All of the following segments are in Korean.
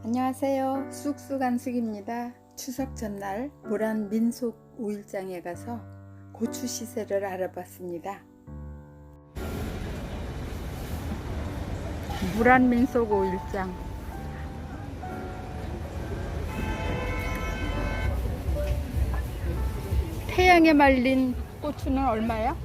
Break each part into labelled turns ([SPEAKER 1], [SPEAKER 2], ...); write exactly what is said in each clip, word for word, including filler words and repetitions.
[SPEAKER 1] 안녕하세요. 쑥쑥안숙입니다. 추석 전날 모란 민속 오일장에 가서 고추 시세를 알아봤습니다. 모란 민속 오일장, 태양에 말린 고추는 얼마야?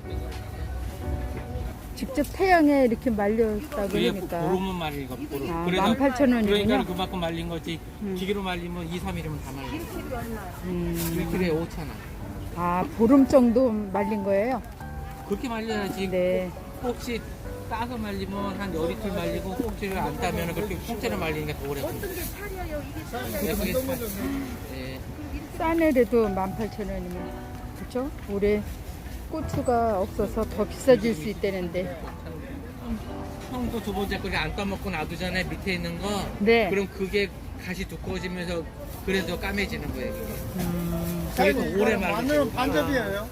[SPEAKER 1] 직접 태양에 이렇게 말렸다 그러니까
[SPEAKER 2] 보름은 말린 거. 보름.
[SPEAKER 1] 아,
[SPEAKER 2] 그래서
[SPEAKER 1] 만 팔천 원이군요.
[SPEAKER 2] 그러니까 그만큼 말린 거지.
[SPEAKER 1] 음.
[SPEAKER 2] 기계로 말리면 이, 삼 일이면 다 말려.
[SPEAKER 1] 음.
[SPEAKER 2] 일 킬로에 오천 원.
[SPEAKER 1] 아, 보름 정도 말린 거예요?
[SPEAKER 2] 그렇게 말려야지.
[SPEAKER 1] 네.
[SPEAKER 2] 혹시 따서 말리면 한 열이틀 말리고 꼭지를 안 따면 그렇게 통째로 말리니까 더 오래 걸려.
[SPEAKER 3] 어떤 게 차려요? 이게 차려요?
[SPEAKER 2] 네, 그게 차- 네.
[SPEAKER 1] 싸네래도 만 팔천 원이면 그쵸? 올해 고추가 없어서 더 비싸질 수 있다는데.
[SPEAKER 2] 형도 두 번째 거를 안 따먹고 놔두잖아요. 밑에 있는 거.
[SPEAKER 1] 네.
[SPEAKER 2] 그럼 그게 가시 두꺼워지면서 그래서 까매지는 거예요. 그게.
[SPEAKER 1] 음,
[SPEAKER 2] 그래서 오래 말리고.
[SPEAKER 4] 마늘은 반접이에요.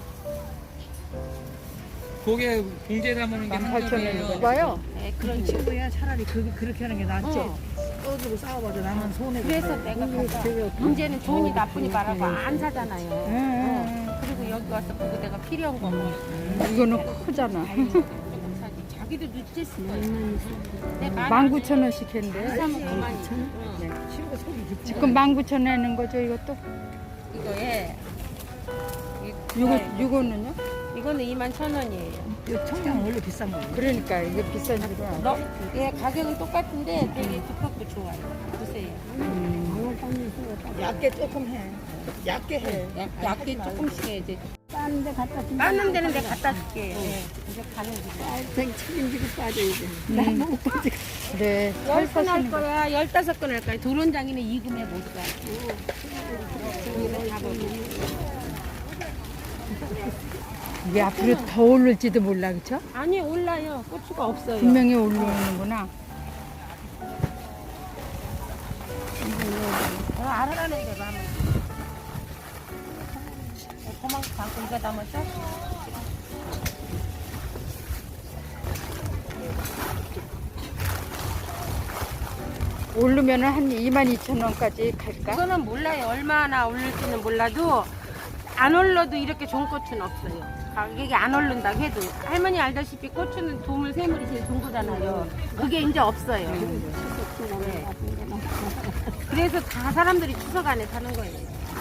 [SPEAKER 2] 그게 봉지에 담는 게
[SPEAKER 1] 만 팔천
[SPEAKER 2] 한정이에요.
[SPEAKER 1] 원이고 봐요.
[SPEAKER 3] 네, 그런 친구야 차라리 그, 그렇게 하는 게 낫죠. 떠들고 싸워봐도 나는 손해.
[SPEAKER 5] 그래서 내가 가서 문제는 좋으니 나쁘니 말하고 안 사잖아요.
[SPEAKER 1] 음,
[SPEAKER 5] 어, 그리고 여기 와서 보고 내가 필요한 거 뭐.
[SPEAKER 1] 이거는 크잖아.
[SPEAKER 5] 조금 사지. 자기도 늦었을 거야.
[SPEAKER 1] 만 구천 원씩 했는데.
[SPEAKER 5] 사면 그만이지.
[SPEAKER 1] 네.
[SPEAKER 3] 친구 속이 깊지.
[SPEAKER 1] 지금 만 구천 원 하는 거죠, 이것도?
[SPEAKER 5] 이거에
[SPEAKER 1] 요거, 요거는요?
[SPEAKER 5] 이거는 이만 천 원이에요.
[SPEAKER 3] 이 청양 원래 비싼 거예요.
[SPEAKER 1] 그러니까 이게 비싸지구나.
[SPEAKER 5] 너, 예, 가격은 똑같은데 되게 두껍고 좋아요. 보세요.
[SPEAKER 3] 얇게 조금 해. 얇게 해.
[SPEAKER 5] 약, 얇게 조금씩 해야지.
[SPEAKER 3] 싸는 데 갖다 주면
[SPEAKER 5] 빠는 데는 내가 갖다 줄게. 예, 이제 가는 거.
[SPEAKER 3] 생 책임지고 빠져야 돼. 나 너무 빠지고.
[SPEAKER 1] 네, 살
[SPEAKER 5] 열 건 할
[SPEAKER 1] 사시는 거.
[SPEAKER 5] 거야, 열다섯 건 할 거야. 도론장이는 이금에 못 가.
[SPEAKER 1] 이게 앞으로 더 오를지도 몰라, 그쵸?
[SPEAKER 5] 아니 올라요. 고추가 없어요.
[SPEAKER 1] 분명히 올라오는구나.
[SPEAKER 5] 어, 알아라는 대로 하면. 고만 담고 이거 담았죠?
[SPEAKER 1] 오르면 한 이만 이천 원까지 갈까?
[SPEAKER 5] 그거는 몰라요. 얼마나 오를지는 몰라도 안 올라도 이렇게 좋은 고추는 없어요. 가격이 안 오른다고 해도 할머니 알다시피 고추는 도물 세물이 제일 좋은 거잖아요. 그게 이제 없어요. 네. 그래서 다 사람들이 추석 안에 사는 거예요.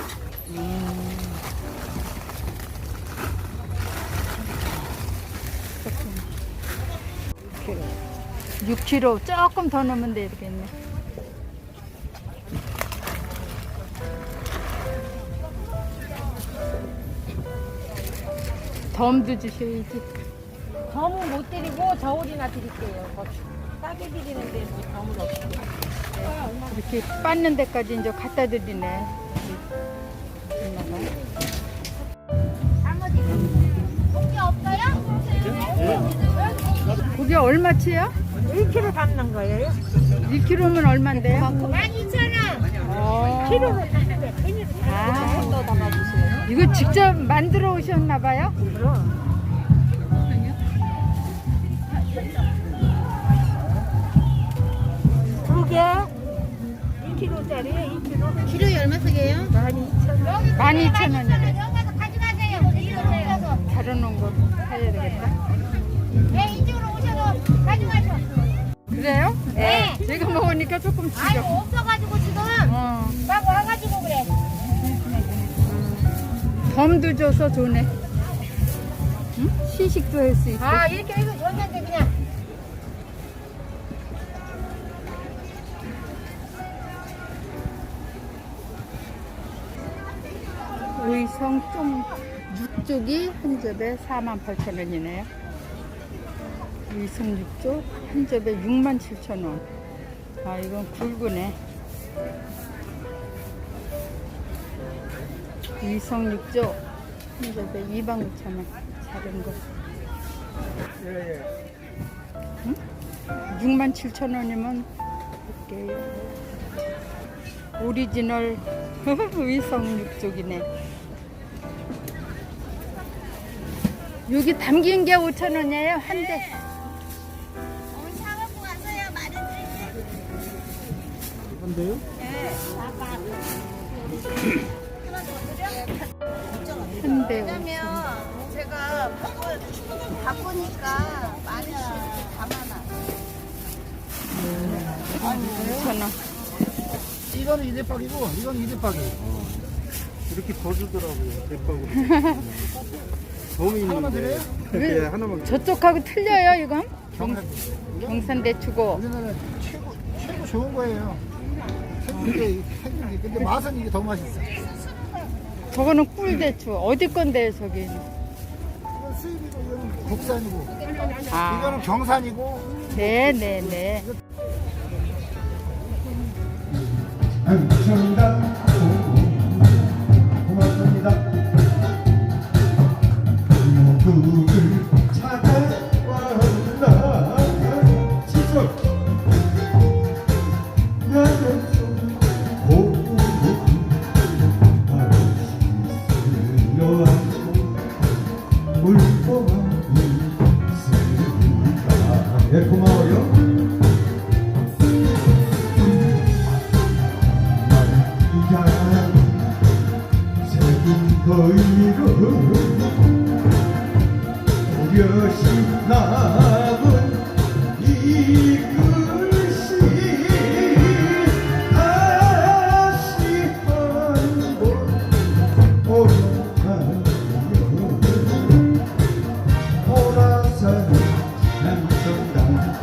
[SPEAKER 1] 육 킬로그램 조금 더 넣으면 되겠네. 덤도 주셔야지.
[SPEAKER 5] 덤은 못 드리고 저울이나 드릴게요. 고추. 싸게 드리는데 뭐 덤을 없어요.
[SPEAKER 1] 이렇게 빻는 데까지 이제 갖다 드리네. 그게 얼마치야?
[SPEAKER 3] 일 킬로그램 담는 거예요?
[SPEAKER 1] 일 킬로그램은 얼만데요?
[SPEAKER 5] 만 이천 원!
[SPEAKER 1] 어.
[SPEAKER 3] 키로로 담는 거.
[SPEAKER 1] 아,
[SPEAKER 3] 더 담아주세요.
[SPEAKER 1] 이거 직접 만들어 오셨나봐요?
[SPEAKER 3] 두 개. 일 킬로그램짜리에 이 킬로그램.
[SPEAKER 5] 키로에 얼마씩이에요?
[SPEAKER 1] 만 이천 원이래.
[SPEAKER 5] 여기 가서 가져가세요. 이러세요.
[SPEAKER 1] 다뤄놓은 거 사야 되겠다.
[SPEAKER 5] 네, 이쪽으로 오셔서 가져가셔.
[SPEAKER 1] 그래요?
[SPEAKER 5] 네.
[SPEAKER 1] 제가 먹으니까 조금
[SPEAKER 5] 아니,
[SPEAKER 1] 주죠.
[SPEAKER 5] 없어가지고 지금
[SPEAKER 1] 어,
[SPEAKER 5] 막 와가지고 그래.
[SPEAKER 1] 덤도 줘서 좋네. 응? 시식도 할 수 있고.
[SPEAKER 5] 아, 이렇게 해서 줬는데 그냥.
[SPEAKER 1] 의성 좀 육쪽이 한 접에 사만 팔천 원이네요. 의성 육쪽 한 접에 육만 칠천 원. 아, 이건 굵으네. 의성 육쪽 한 접에 이만 구천 원. 작은 거. 응? 육만 칠천 원이면 볼게요. 오리지널 의성 육쪽이네. 여기 담긴 게 오천 원이에요, 한 대.
[SPEAKER 4] 근데요?
[SPEAKER 1] 현대
[SPEAKER 6] 왜냐면 제가 바쁘, 바쁘니까 많이 담아놔.
[SPEAKER 1] 천원.
[SPEAKER 4] 이거는 이대박이고 이거는 이대박이. 이렇게 버주더라고요. 대박으로. 돔이 하나만 드려요? 네, 하나만.
[SPEAKER 1] 저쪽하고 틀려요 이건?
[SPEAKER 4] 경산.
[SPEAKER 1] 경산대추고.
[SPEAKER 4] 우리나라 최고 최고 좋은 거예요. 근데 근데 맛은 이게 더 맛있어.
[SPEAKER 1] 저거는 꿀대추. 어디 건데요 저기?
[SPEAKER 4] 이건 수입이고 이거는 국산이고.
[SPEAKER 1] 아,
[SPEAKER 4] 이거는 경산이고.
[SPEAKER 1] 네네네.
[SPEAKER 7] 감사합니다. 고맙습니다. 모두를 찾아왔나 지속 나는 좀 고고 스려왔고 울고만 있으니까 예 고마워요. 거의로 오려시 남은 이 글씨 다시 한번 오락하며 돌아서는 남성당도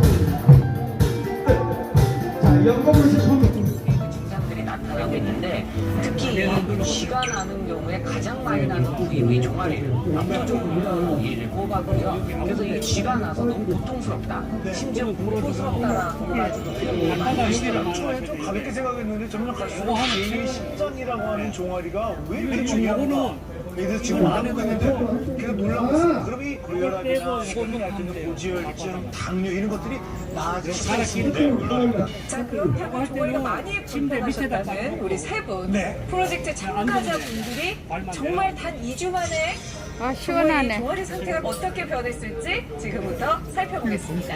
[SPEAKER 7] 자 연극을 싶은
[SPEAKER 8] 증상들이 나타나고 있는데 특히 이 쥐가 나는 경우에 가장 많이 나는 부위의 종아리예요. 압도적으로 이 꼽아고요. 그래서 이 쥐가 나서 너무 고통스럽다. 심지어 공포스럽다라는 것까지도 표현이 많이 있어요.
[SPEAKER 9] 처음에 좀 가볍게 생각했는데 점점 갈수록 개인의 심장이라고 하는 종아리가 왜 이렇게 중요한가? 그래서 지금 안 하고 있는데 그래서 놀라웠어요. 그럼 이 고혈압이나 심근경색, 고지혈증, 당뇨 이런 것들이 나아질 수가 있습니다.
[SPEAKER 10] 자, 그렇다고 종아리가 많이 불편하셨다는 우리 세 분 프로젝트 참가자분들이 정말 단 이 주 만에
[SPEAKER 1] 아
[SPEAKER 10] 종아리,
[SPEAKER 1] 시원하네.
[SPEAKER 10] 종아리 상태가 어떻게 변했을지 지금부터 살펴보겠습니다.